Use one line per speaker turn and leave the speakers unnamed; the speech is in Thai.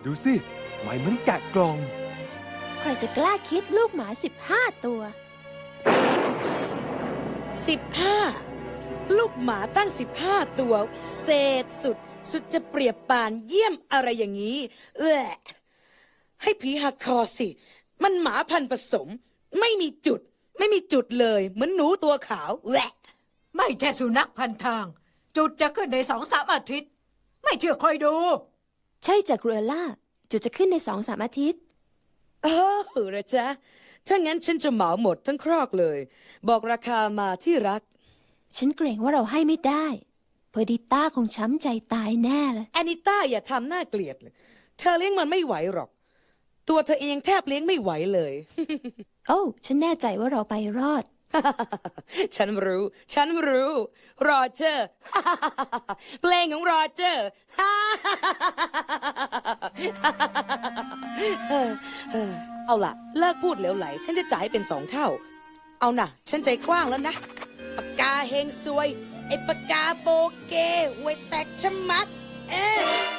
ดูสิไหมเหมือนแกะกล่อง
ใครจะกล้าคิดลูกหมา15 ตัว
15 ลูกหมาตั้ง15 ตัววิเศษสุดจะเปรียบปานเยี่ยมอะไรอย่างนี้ให้ผีหักคอสิ มันหมาพันธุ์ผสม ไม่มีจุดเลยเหมือนหนูตัวขาว
ไม่ใช่สุนัขพันทาง จุดจะขึ้นใน2-3 อาทิตย์ ไม่เชื่อคอยดู
ใช่จากเรือล่าจุดจะขึ้นใน2-3 อาทิตย์
เออเหรอจ๊ะถ้างั้นฉันจะเหมาหมดทั้งครอกเลย บอกราคามาที่รัก
ฉันเกรงว่าเราให้ไม่ได้เพอร์ดิต้าคงช้ำใจตายแน่เลย
แอนิต้าอย่าทำหน้าเกลียดเลยเธอเลี้ยงมันไม่ไหวหรอก ตัวเธอเองแทบเลี้ยงไม่ไหวเลย
โอ้ฉันแน่ใจว่าเราไปรอด
ฉันรู้โรเจอร์ เพลงของโรเจอร์ เอาล่ะ เลิกพูดเหลวไหล ฉันจะจ่ายเป็น2 เท่า เอาน่ะ ฉันใจกว้างแล้วนะ ปากกาเฮงซวย ไอ้ปากกาโบเกห่วยแตกชะมัด